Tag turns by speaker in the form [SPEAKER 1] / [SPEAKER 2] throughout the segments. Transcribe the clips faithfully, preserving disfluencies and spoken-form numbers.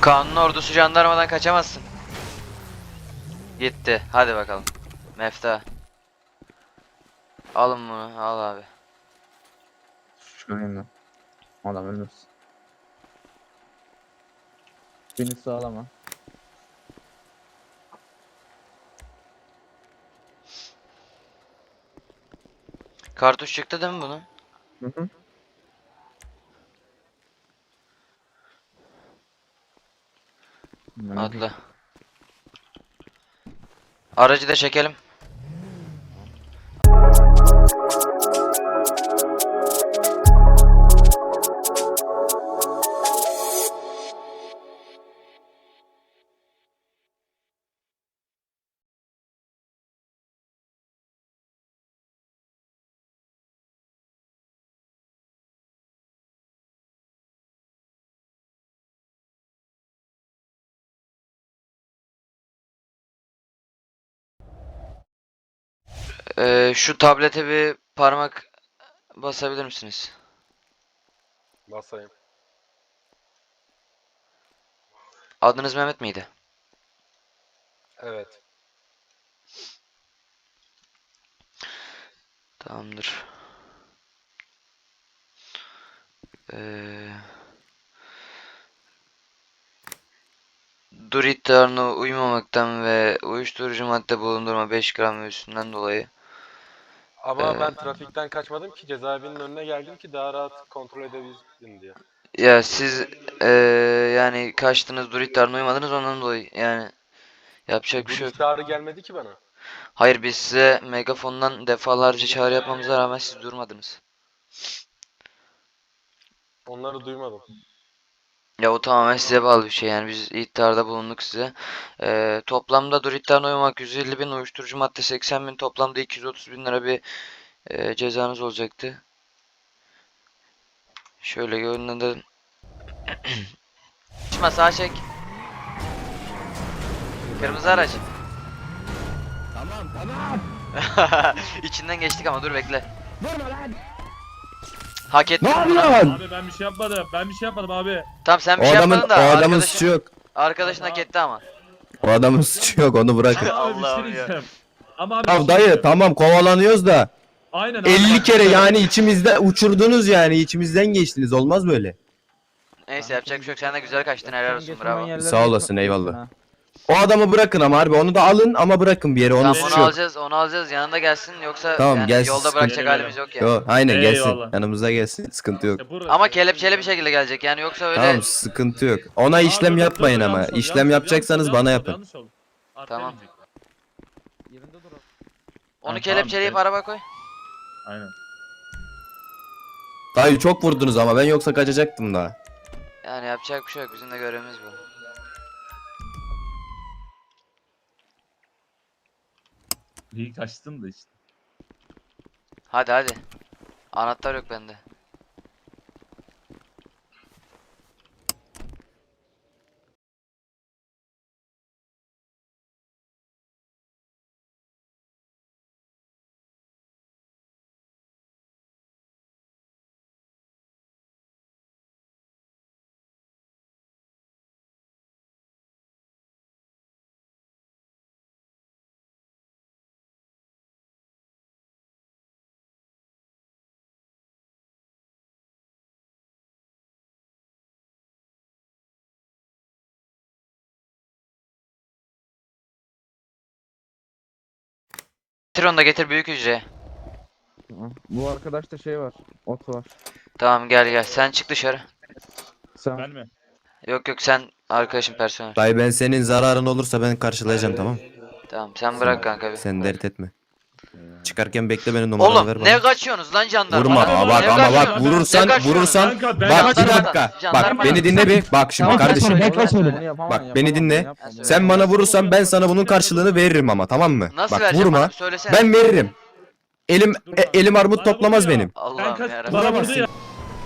[SPEAKER 1] Kanun ordusu jandarmadan kaçamazsın. Gitti. Hadi bakalım. Mefta. Alın bunu. Al abi.
[SPEAKER 2] Çıkarayım ben. Adam ölmüş. Beni sağlama.
[SPEAKER 1] Kartuş çıktı değil mi bunun?
[SPEAKER 2] Hı hı.
[SPEAKER 1] Atla. Aracı da çekelim. Ee, şu tablete bir parmak basabilir misiniz?
[SPEAKER 3] Basayım.
[SPEAKER 1] Adınız Mehmet miydi?
[SPEAKER 3] Evet.
[SPEAKER 1] Tamamdır. Ee, dur iddialarına uymamaktan ve uyuşturucu madde bulundurma beş gram ve üstünden dolayı.
[SPEAKER 3] Ama
[SPEAKER 1] Ee,
[SPEAKER 3] ben trafikten kaçmadım ki, cezaevinin önüne geldim ki daha rahat kontrol edebildim diye.
[SPEAKER 1] Ya siz ee, yani kaçtınız, dur iddialarına uymadınız, ondan dolayı yani yapacak bir
[SPEAKER 3] Dur
[SPEAKER 1] şey yok.
[SPEAKER 3] ihtarı gelmedi ki bana.
[SPEAKER 1] Hayır, biz size megafondan defalarca çağrı yapmamıza rağmen siz durmadınız.
[SPEAKER 3] Onları duymadım.
[SPEAKER 1] Ya o tamamen size bağlı bir şey, yani biz ihtarda bulunduk size. Ee, toplamda dur iddiana uymak yüz elli bin, uyuşturucu madde seksen bin, toplamda iki yüz otuz bin lira bir e, cezanız olacaktı. Şöyle görünen. Açma, sağa çek. Kırmızı araç.
[SPEAKER 4] Tamam tamam.
[SPEAKER 1] İçinden geçtik ama dur bekle. Hak ettin
[SPEAKER 4] Ne
[SPEAKER 1] bunu.
[SPEAKER 4] yapıyorsun?
[SPEAKER 5] Abi ben bir şey yapmadım. Ben bir şey yapmadım abi.
[SPEAKER 1] Tamam, sen bir
[SPEAKER 4] O
[SPEAKER 1] şey
[SPEAKER 4] adamın,
[SPEAKER 1] yapmadın
[SPEAKER 4] o
[SPEAKER 1] da
[SPEAKER 4] adamın
[SPEAKER 1] arkadaşın,
[SPEAKER 4] suçu yok.
[SPEAKER 1] arkadaşın hak etti ama.
[SPEAKER 4] O adamın suçu yok, onu bırakın.
[SPEAKER 5] Ama abi bir
[SPEAKER 1] Allah'ım
[SPEAKER 5] şey
[SPEAKER 1] ya.
[SPEAKER 5] diyeceğim. Ama abi bir
[SPEAKER 4] Ya
[SPEAKER 5] şey
[SPEAKER 4] dayı
[SPEAKER 5] diyeceğim.
[SPEAKER 4] tamam kovalanıyoruz da
[SPEAKER 5] Aynen abi.
[SPEAKER 4] elli kere yani içimizde uçurdunuz, yani içimizden geçtiniz, olmaz böyle.
[SPEAKER 1] Neyse, yapacak bir şey yok. Sen de güzel kaçtın, helal olsun, bravo.
[SPEAKER 4] Sağ olasın, eyvallah. O adamı bırakın ama harbi, onu da alın ama bırakın bir yere, onun
[SPEAKER 1] Tamam,
[SPEAKER 4] suçu
[SPEAKER 1] onu
[SPEAKER 4] yok.
[SPEAKER 1] alacağız, onu alacağız, yanında gelsin, yoksa
[SPEAKER 4] Tamam,
[SPEAKER 1] yani
[SPEAKER 4] gelsin,
[SPEAKER 1] yolda
[SPEAKER 4] sıkıntı
[SPEAKER 1] bırakacak
[SPEAKER 5] yok.
[SPEAKER 1] halimiz yok ya.
[SPEAKER 4] Yo, aynen gelsin,
[SPEAKER 5] Eyvallah.
[SPEAKER 4] yanımıza gelsin, sıkıntı yok.
[SPEAKER 5] İşte burası.
[SPEAKER 1] Ama kelepçeli bir şekilde gelecek yani, yoksa öyle.
[SPEAKER 4] Tamam, sıkıntı yok. Ona
[SPEAKER 5] Aa,
[SPEAKER 4] işlem
[SPEAKER 5] dur, dur,
[SPEAKER 4] yapmayın
[SPEAKER 5] dur,
[SPEAKER 4] ama
[SPEAKER 5] yanlış oldu,
[SPEAKER 4] işlem
[SPEAKER 5] yanlış oldu,
[SPEAKER 4] yapacaksanız
[SPEAKER 5] yanlış
[SPEAKER 4] bana
[SPEAKER 5] oldu,
[SPEAKER 4] yapın.
[SPEAKER 5] yanlış oldu. Arkaya
[SPEAKER 1] Tamam.
[SPEAKER 5] binecek.
[SPEAKER 1] Onu
[SPEAKER 5] Ha,
[SPEAKER 1] kelepçeleyip
[SPEAKER 5] tamam,
[SPEAKER 1] araba koy.
[SPEAKER 5] Aynen.
[SPEAKER 4] Dayı çok vurdunuz ama ben yoksa kaçacaktım daha.
[SPEAKER 1] Yani yapacak bir şey yok, bizim de görevimiz bu.
[SPEAKER 5] İyi kaçtın da işte.
[SPEAKER 1] Hadi hadi. Anahtar yok bende. Getir onu da, getir büyük hücreye.
[SPEAKER 2] Bu arkadaşta şey var. Ot var.
[SPEAKER 1] Tamam, gel gel, sen çık dışarı.
[SPEAKER 2] Sen
[SPEAKER 5] Ben mi?
[SPEAKER 1] Yok yok, sen arkadaşım, personel.
[SPEAKER 4] Dayı ben senin zararın olursa ben karşılayacağım, tamam.
[SPEAKER 1] Tamam, sen bırak kanka bir.
[SPEAKER 4] Sen dert etme. Çıkarken bekle, benim numaranı ver
[SPEAKER 1] Oğlum
[SPEAKER 4] bana.
[SPEAKER 1] ne kaçıyorsunuz lan jandarma?
[SPEAKER 4] Vurma,
[SPEAKER 5] Abi,
[SPEAKER 4] aa,
[SPEAKER 5] abi,
[SPEAKER 4] bak
[SPEAKER 5] ne
[SPEAKER 4] ama bak
[SPEAKER 5] kaçıyorsun?
[SPEAKER 4] vurursan
[SPEAKER 1] Ne kaçıyorsun?
[SPEAKER 4] vurursan
[SPEAKER 5] Kanka, ben
[SPEAKER 4] bak bir
[SPEAKER 1] jandarmadan-
[SPEAKER 4] dakika,
[SPEAKER 1] jandarmadan-
[SPEAKER 4] bak beni dinle bir, bak şimdi
[SPEAKER 1] Tamam,
[SPEAKER 4] kardeşim,
[SPEAKER 1] ben
[SPEAKER 2] Bekle
[SPEAKER 1] söyle.
[SPEAKER 2] Bunu yapamam,
[SPEAKER 4] bak
[SPEAKER 2] yapamam,
[SPEAKER 4] beni dinle,
[SPEAKER 2] yapma,
[SPEAKER 1] Ben
[SPEAKER 4] sen bana vurursan ben sana bunun
[SPEAKER 5] Yine
[SPEAKER 4] karşılığını
[SPEAKER 5] vurursan.
[SPEAKER 4] veririm ama, tamam mı?
[SPEAKER 1] Nasıl
[SPEAKER 4] Bak
[SPEAKER 1] vereceğim
[SPEAKER 4] vurma,
[SPEAKER 1] bana? Söylesene.
[SPEAKER 4] ben veririm. Elim
[SPEAKER 5] Dur
[SPEAKER 4] e,
[SPEAKER 5] lan.
[SPEAKER 4] elim armut
[SPEAKER 5] Bana
[SPEAKER 4] toplamaz
[SPEAKER 5] vurdu ya.
[SPEAKER 4] benim.
[SPEAKER 5] Ben
[SPEAKER 1] Allah'ım
[SPEAKER 5] kaç
[SPEAKER 1] yarabbim.
[SPEAKER 5] bana vurdu
[SPEAKER 4] Vuramazsın.
[SPEAKER 5] ya.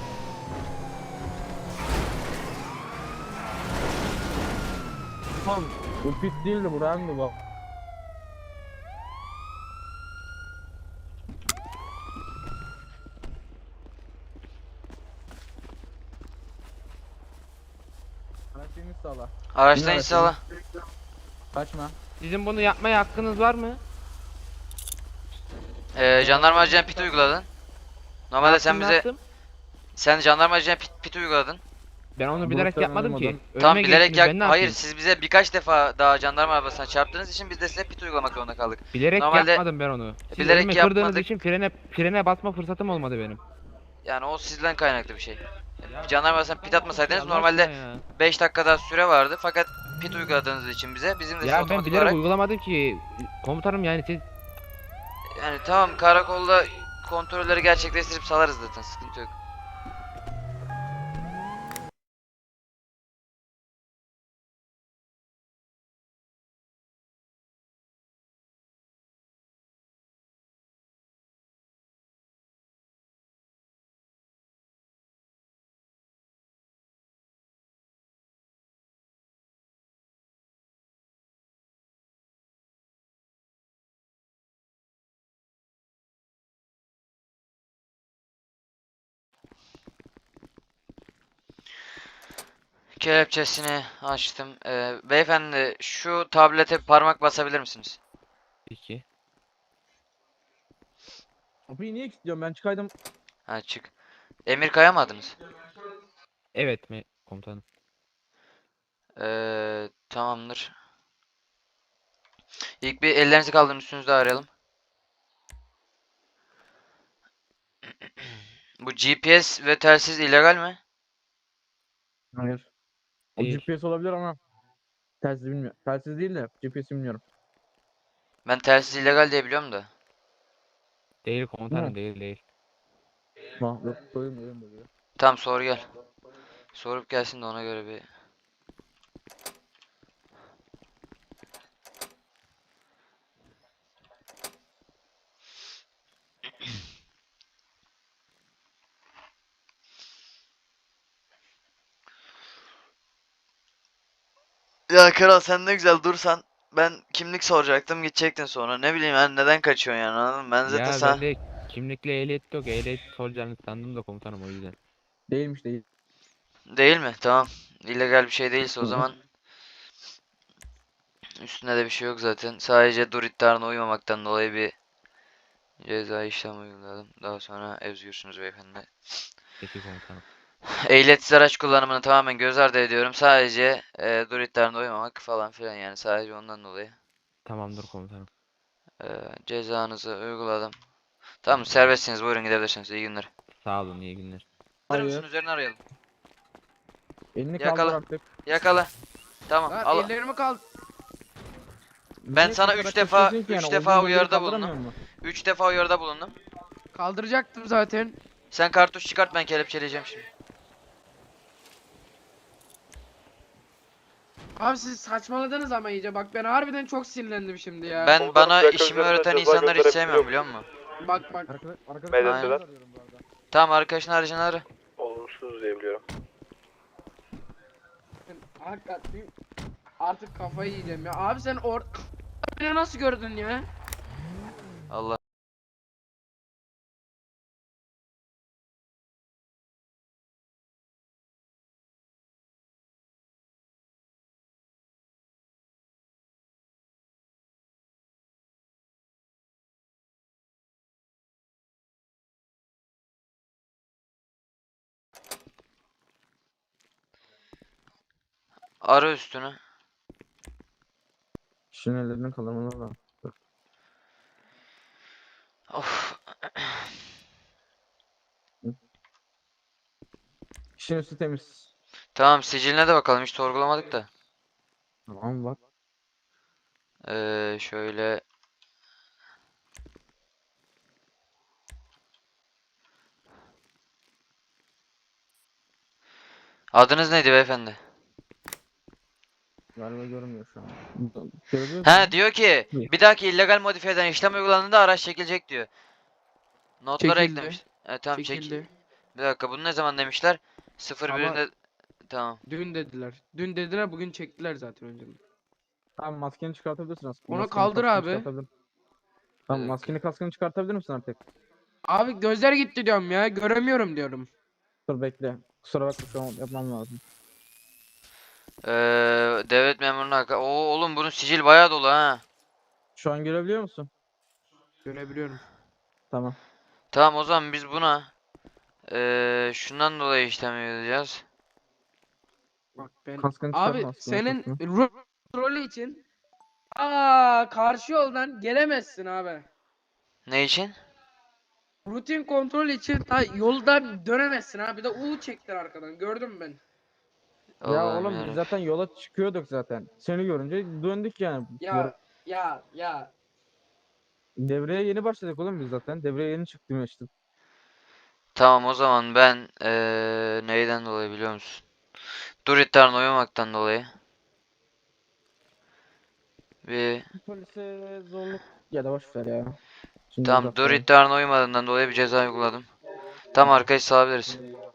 [SPEAKER 2] Tamam. Bu pit değildi, bu Randy bak. Araç iniş sağla.
[SPEAKER 1] Araçtan
[SPEAKER 2] Yine
[SPEAKER 1] inşallah.
[SPEAKER 2] Kaçma.
[SPEAKER 6] Sizin bunu yapmaya hakkınız var mı?
[SPEAKER 1] Ee, jandarma ajan pit uyguladın. Normalde sen
[SPEAKER 6] Yaptım,
[SPEAKER 1] bize
[SPEAKER 6] yaptım.
[SPEAKER 1] sen jandarma ajan pit, pit uyguladın.
[SPEAKER 6] Ben onu
[SPEAKER 2] Bu
[SPEAKER 6] bilerek
[SPEAKER 2] muhtemelen
[SPEAKER 6] yapmadım ki.
[SPEAKER 2] olmadan.
[SPEAKER 1] Tam
[SPEAKER 6] Önüme
[SPEAKER 1] bilerek
[SPEAKER 6] geçtiniz,
[SPEAKER 1] yak
[SPEAKER 6] ben ne
[SPEAKER 1] hayır
[SPEAKER 6] yapayım?
[SPEAKER 1] siz bize birkaç defa daha jandarma arabasına çarptığınız için biz de size pit uygulamak zorunda kaldık.
[SPEAKER 6] Bilerek
[SPEAKER 1] Normalde-
[SPEAKER 6] yapmadım ben onu. Siz
[SPEAKER 1] bilerek
[SPEAKER 6] önüme kırdığınız
[SPEAKER 1] yapmadık.
[SPEAKER 6] için frene frene basma fırsatım olmadı benim.
[SPEAKER 1] Yani o sizden kaynaklı bir şey. Jandarma arabasına pit atmasaydınız
[SPEAKER 6] Allah
[SPEAKER 1] normalde
[SPEAKER 6] aşkına ya.
[SPEAKER 1] beş dakika daha süre vardı fakat pit uyguladığınız için bize bizim de size
[SPEAKER 6] Ya ben
[SPEAKER 1] otomatik
[SPEAKER 6] bilerek
[SPEAKER 1] olarak
[SPEAKER 6] uygulamadım ki. Komutanım yani siz
[SPEAKER 1] yani tamam karakolda kontrolleri gerçekleştirip salarız zaten sıkıntı yok. Kelepçesini açtım. Ee, beyefendi şu tablete parmak basabilir misiniz?
[SPEAKER 6] iki.
[SPEAKER 2] Kapıyı niye kilitliyorum ben çıkaydım.
[SPEAKER 1] Ha çık. Emir kayamadınız.
[SPEAKER 6] Evet mi komutanım?
[SPEAKER 1] Ee, tamamdır. İlk bir ellerinizi kaldırın üstünüzde arayalım. Bu G P S ve telsiz illegal mi?
[SPEAKER 2] Hayır. O
[SPEAKER 6] Değil.
[SPEAKER 2] G P S olabilir ama telsiz bilmiyorum. Telsiz değil de G P S bilmiyorum.
[SPEAKER 1] Ben telsiz illegal diye biliyorum da.
[SPEAKER 6] Değil komutanım
[SPEAKER 2] Ne?
[SPEAKER 6] değil değil.
[SPEAKER 2] Ha yok koyayım koyayım böyle.
[SPEAKER 1] Tamam sor gel. Sorup gelsin de ona göre bir. Ya kral sen ne güzel dursan ben kimlik soracaktım gidecektin sonra ne bileyim yani neden kaçıyorsun yani anladın mı? Ben zaten
[SPEAKER 6] Ya
[SPEAKER 1] sana
[SPEAKER 6] bende kimlikle ehliyet yok. Ehliyet soracağını sandım da komutanım o yüzden.
[SPEAKER 2] Değilmiş değil.
[SPEAKER 1] değil mi? Tamam. İllegal bir şey değilse o
[SPEAKER 2] Hı hı.
[SPEAKER 1] zaman üstünde de bir şey yok zaten. Sadece dur iddialarına uymamaktan dolayı bir ceza işlem uyguladım. Daha sonra özgürsünüz beyefendi.
[SPEAKER 6] Peki komutanım.
[SPEAKER 1] Ehliyetsiz araç kullanımını tamamen göz ardı ediyorum. Sadece e, dur iddialarına uymamak falan filan yani sadece ondan dolayı.
[SPEAKER 6] Tamamdır komutanım.
[SPEAKER 1] E, cezanızı uyguladım. Tamam serbestsiniz buyurun gidebilirsiniz. İyi günler.
[SPEAKER 6] Sağ olun iyi günler.
[SPEAKER 1] Alır
[SPEAKER 2] Hayır.
[SPEAKER 1] mısın üzerine arayalım.
[SPEAKER 2] Elini
[SPEAKER 1] Yakala.
[SPEAKER 2] kaldır artık.
[SPEAKER 1] Yakala. Tamam
[SPEAKER 7] Lan
[SPEAKER 1] al.
[SPEAKER 7] ellerimi kal.
[SPEAKER 1] Ben
[SPEAKER 2] Niye
[SPEAKER 1] sana
[SPEAKER 2] bu
[SPEAKER 1] üç
[SPEAKER 2] kadar
[SPEAKER 1] defa-
[SPEAKER 2] kaçıyorsun ki
[SPEAKER 1] üç
[SPEAKER 2] yani?
[SPEAKER 1] defa
[SPEAKER 2] Olduğun bölgeyi
[SPEAKER 1] uyarıda
[SPEAKER 2] kaldıramıyor
[SPEAKER 1] bulundum.
[SPEAKER 2] musun?
[SPEAKER 1] Üç defa uyarıda bulundum.
[SPEAKER 7] Kaldıracaktım zaten.
[SPEAKER 1] Sen kartuş çıkart ben kelepçeleyeceğim şimdi.
[SPEAKER 7] Abi siz saçmaladınız ama iyice. Bak ben harbiden çok sinirlendim şimdi ya.
[SPEAKER 1] Ben
[SPEAKER 3] Komutanım,
[SPEAKER 1] bana
[SPEAKER 3] plaka
[SPEAKER 1] işimi
[SPEAKER 3] üzerinden
[SPEAKER 1] öğreten
[SPEAKER 3] ceza
[SPEAKER 1] insanları hiç
[SPEAKER 3] gönderebiliyor
[SPEAKER 1] sevmiyorum biliyor musun?
[SPEAKER 7] Bak bak.
[SPEAKER 2] Arkadaş, arkadaş
[SPEAKER 3] Medeniler.
[SPEAKER 2] arıyorum bu arada.
[SPEAKER 1] Tamam arkadaşın arayacağını ara.
[SPEAKER 3] Olumsuz diyebiliyorum.
[SPEAKER 7] Ben hakikaten artık kafayı yiyeceğim ya. Abi sen or... Beni nasıl gördün ya?
[SPEAKER 1] Allah. Ara üstünü.
[SPEAKER 2] Kişinin ellerini kaldırmalı da.
[SPEAKER 1] Of.
[SPEAKER 2] Kişinin üstü temiz.
[SPEAKER 1] Tamam siciline de bakalım hiç sorgulamadık da.
[SPEAKER 2] Tamam bak.
[SPEAKER 1] Ee, şöyle. Adınız neydi beyefendi?
[SPEAKER 2] Galiba görünmüyor şu an. Görebiliyor
[SPEAKER 1] He
[SPEAKER 2] musun?
[SPEAKER 1] diyor ki
[SPEAKER 2] İyi.
[SPEAKER 1] bir dahaki illegal modifiyeden işlem uygulandığında araç çekilecek diyor. Notlara
[SPEAKER 7] Çekildi.
[SPEAKER 1] eklemiş. Evet tamam çek.
[SPEAKER 7] Çekildi.
[SPEAKER 1] Bir dakika bunu ne zaman demişler? sıfır
[SPEAKER 7] Ama-
[SPEAKER 1] birinde tamam.
[SPEAKER 7] Dün dediler. Dün dediler bugün çektiler zaten önce.
[SPEAKER 2] Tamam maskeni çıkartabilirsin aslında.
[SPEAKER 7] Onu
[SPEAKER 2] Maskeni,
[SPEAKER 7] kaldır
[SPEAKER 2] kaskını
[SPEAKER 7] abi.
[SPEAKER 2] çıkartabilir- Tamam
[SPEAKER 1] dakika.
[SPEAKER 2] maskeni kaskını çıkartabilir misin artık?
[SPEAKER 7] Abi gözler gitti diyorum ya. Göremiyorum diyorum.
[SPEAKER 2] Dur bekle. Kusura bakma şu an yapmam lazım.
[SPEAKER 1] Ee, devlet memuruna haka- Oo oğlum bunun sicil bayağı dolu ha.
[SPEAKER 2] Şu an görebiliyor musun?
[SPEAKER 7] Görebiliyorum.
[SPEAKER 2] Tamam.
[SPEAKER 1] Tamam o zaman biz buna ee, şundan dolayı işlem yapacağız.
[SPEAKER 7] Bak ben
[SPEAKER 2] Kaskını
[SPEAKER 7] abi
[SPEAKER 2] çıkarma aslında,
[SPEAKER 7] senin
[SPEAKER 2] kaskını.
[SPEAKER 7] ro- rolü için aa karşı yoldan gelemezsin abi.
[SPEAKER 1] Ne için?
[SPEAKER 7] Rutin kontrol için ta yolda dönemezsin abi. Bir de U çektir arkadan. Gördüm ben.
[SPEAKER 2] Ya
[SPEAKER 1] Allah'ım
[SPEAKER 2] oğlum biz
[SPEAKER 1] yarabbim.
[SPEAKER 2] zaten yola çıkıyorduk zaten. Seni görünce döndük yani.
[SPEAKER 7] Ya ya ya.
[SPEAKER 2] Devreye yeni başladık oğlum biz zaten. Devreye yeni çıktım işte.
[SPEAKER 1] Tamam o zaman ben ee, neyden dolayı biliyor musun? Dur iddialarına uymamaktan dolayı. Bir
[SPEAKER 2] Polise zorluk ya da boş ver ya. Şimdi
[SPEAKER 1] tamam dur
[SPEAKER 2] uzatmayalım.
[SPEAKER 1] iddialarına uymadığından dolayı bir ceza uyguladım. Tamam arkadaş salabiliriz.